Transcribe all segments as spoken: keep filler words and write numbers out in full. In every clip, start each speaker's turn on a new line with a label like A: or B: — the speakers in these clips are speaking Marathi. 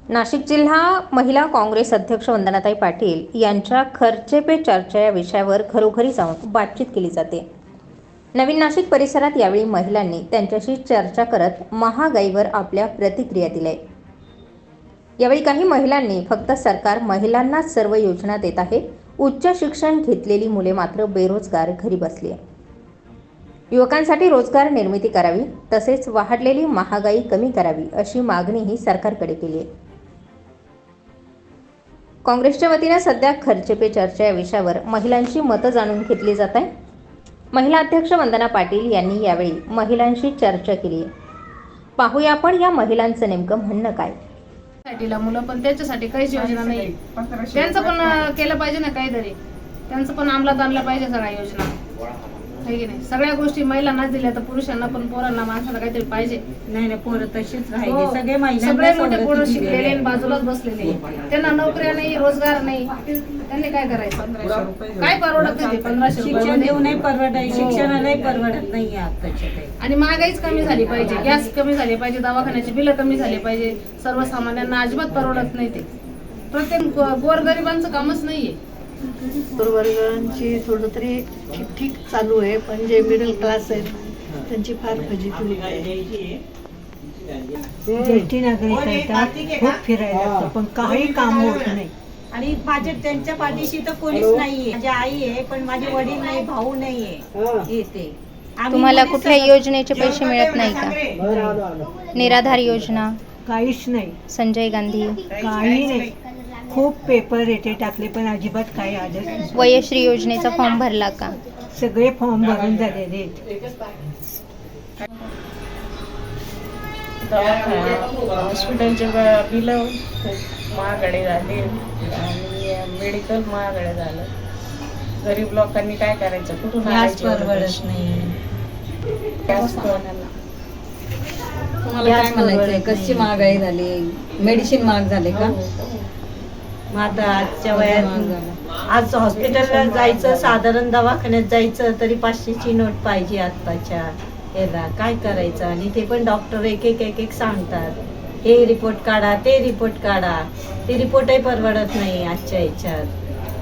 A: नाशिक जिल्हा महिला काँग्रेस अध्यक्ष वंदनाताई पाटील यांच्या खर्चे पे चर्चा या विषयावर घरोघरी जाऊन बातचीत केली जाते। नवीन नाशिक परिसरात यावेळी महिलांनी त्यांच्याशी चर्चा करत महागाईवर आपल्या प्रतिक्रिया दिल्या। यावेळी काही महिलांनी फक्त सरकार महिलांनाच सर्व योजना देत आहे, उच्च शिक्षण घेतलेली मुले मात्र बेरोजगार घरी बसली आहे। युवकांसाठी रोजगार निर्मिती करावी, तसेच वाढलेली महागाई कमी करावी अशी मागणीही सरकारकडे केली आहे। काँग्रेसच्या वतीने सध्या खर्चे पे चर्चा या विषयावर महिलांची मतं जाणून घेतली जात आहे। महिला अध्यक्ष वंदना पाटील यांनी यावेळी महिलांशी चर्चा केली आहे। पाहूया आपण या महिलांचं नेमकं म्हणणं काय।
B: ला मुलं पण त्याच्यासाठी काहीच योजना नाही, त्यांचं पण केलं पाहिजे ना, काहीतरी त्यांचं पण अंमलात आणलं पाहिजे सगळ्या योजना, आहे की नाही। सगळ्या गोष्टी महिलांनाच दिल्या तर पुरुषांना पण, पोरांना, माणसाला काहीतरी पाहिजे।
C: नाही नाही, पोरं तशीच राहिली,
B: हो,
C: सगळे महिलांना
B: सगळे मोठे पोरं शिकलेले आणि बाजूलाच बसलेले, त्यांना नोकऱ्या नाही, रोजगार नाही, त्यांनी काय करायचं? काय परवडत नाही पंधराशे
C: शिक्षण देऊनही परवडाय, शिक्षणालाही परवडत नाही आताच्या काही।
B: आणि महागाईच कमी झाली पाहिजे, गॅस कमी झाले पाहिजे, दवाखान्याची बिलं कमी झाली पाहिजे, सर्वसामान्यांना अजिबात परवडत नाही ते। प्रत्येक गोरगरिबांचं कामच नाहीये।
D: गोरगरिबांची थोडं तरी ठीक ठीक चालू आहे, पण जे मिडल क्लास आहेत त्यांची फार फजिती होते। ज्येष्ठ नागरिक येतात, खूप फिरायला लागतं, पण काही काम होत नाही।
C: आणि माझे त्यांच्या पाठीशी तर कोणीच नाहीये। माझी आई आहे पण माझे वडील नाही, भाऊ नाहीये येते।
A: तुम्हाला कुठल्या योजनेचे पैसे मिळत नाही का? निराधार योजना
D: काहीच नाही,
A: संजय गांधी
D: काही नाही। खूप पेपर येते टाकले पण अजिबात काही आलं नाही।
A: वयश्री योजनेचा फॉर्म भरला का?
D: सगळे फॉर्म भरून झालेले आहेत।
E: हॉस्पिटलचे बिलं महागडे झाले आणि मेडिकल महागडे झालं। गरीब लोकांनी काय करायचं? कुठून आणायचं?
C: परवडत नाही।
E: तुम्हाला काय म्हणायचंय?
C: कशी महागाई झाली, मेडिसिन महाग झाले का? मग आता आजच्या वयात आज हॉस्पिटलला जायचं, साधारण दवाखान्यात जायचं तरी पाचशेची नोट पाहिजे आत्ताच्या याला। काय करायचं? आणि ते पण डॉक्टर एक एक एक एक सांगतात, हे रिपोर्ट काढा, ते रिपोर्ट काढा, ते रिपोर्टही परवडत नाही आजच्या ह्याच्यात।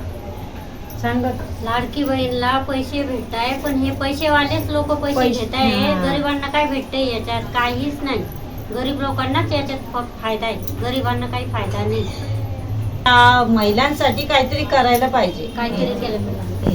C: सांगत
F: लाडकी बहीणला पैसे भेटताय, पण हे पैसेवालेच लोक पैसे घेत आहे, गरिबांना काय भेटतंय याच्यात? काहीच नाही। गरीब लोकांनाच याच्यात फायदा आहे, गरिबांना काही फायदा नाही।
C: महिलांसाठी काहीतरी करायला पाहिजे,
F: काहीतरी केलं पाहिजे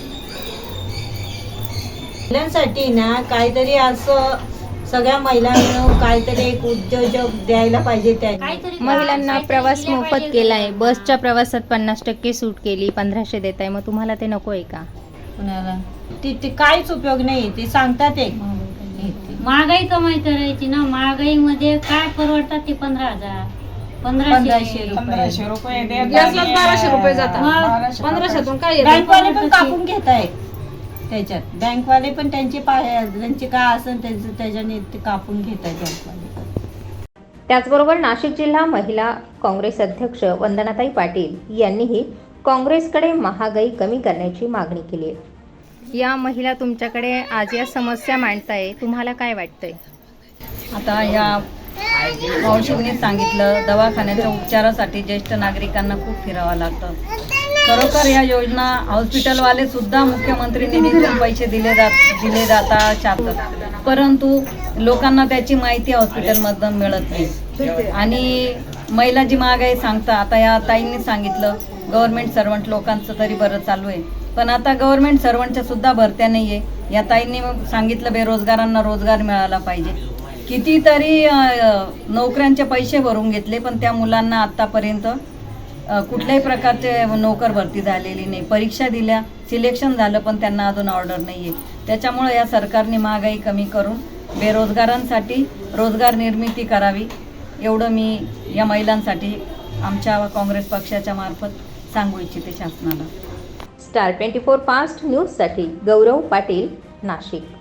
C: महिलांसाठी ना। काहीतरी असं सगळ्या महिलांना काहीतरी एक उद्योजक द्यायला पाहिजे त्यांनी।
A: महिलांना प्रवास मोफत केलाय, बसच्या प्रवासात पन्नास टक्के सूट केली, पंधराशे देत आहे, मग तुम्हाला ते नको आहे का?
C: कुणाला ते काहीच उपयोग नाही, ते सांगतात एक
F: महागाई कमाई करायची ना। महागाईमध्ये काय परवडतात ते पंधरा हजार पंधराशे
E: पंधराशे रुपये
B: गॅसलाच बाराशे रुपये जातात, पंधराशेतून काय येतं?
C: बँकवाले पण कापून घेत आहेत त्याच्यात, बँकवाले पण त्यांचे त्यांचे काय असेल त्याचं त्याच्याने ते कापून घेत आहेत बँकवाले।
A: त्याचबरोबर नाशिक जिल्हा महिला काँग्रेस अध्यक्ष वंदनाताई पाटील यांनीही काँग्रेसकडे महागाई कमी करण्याची मागणी केली आहे। या महिला तुमच्याकडे आज या समस्या मांडताय, तुम्हाला काय वाटतंय?
G: आता या मावशींनी सांगितलं, दवाखान्याच्या उपचारासाठी ज्येष्ठ नागरिकांना खूप फिरावं लागतं। खरोखर या योजना हॉस्पिटलवाले सुद्धा मुख्यमंत्री निधीतून पैसे दिले जात दिले जातात चालतात, परंतु लोकांना त्याची माहिती हॉस्पिटलमधून मिळत नाही। आणि महिला जी महागाई सांगता, आता या ताईंनी सांगितलं गव्हर्नमेंट सर्वंट लोकांचं तरी बरं चालू आहे, पण आता गव्हर्नमेंट सर्वंटच्या सुद्धा भरत्या नाही आहे। या ताईंनी सांगितलं बेरोजगारांना रोजगार मिळाला पाहिजे। कितीतरी नोकऱ्यांचे पैसे भरून घेतले, पण त्या मुलांना आत्तापर्यंत कुठल्याही प्रकारचे नोकर भरती झालेली नाही। परीक्षा दिल्या, सिलेक्शन झालं, पण त्यांना अजून ऑर्डर नाही आहे। त्याच्यामुळे या सरकारने महागाई कमी करून बेरोजगारांसाठी रोजगार निर्मिती करावी, एवढं मी या महिलांसाठी आमच्या काँग्रेस पक्षाच्या मार्फत सांगू इच्छिते शासनाला।
A: स्टार ट्वेंटी फोर फास्ट न्यूजसाठी गौरव पाटील, नाशिक।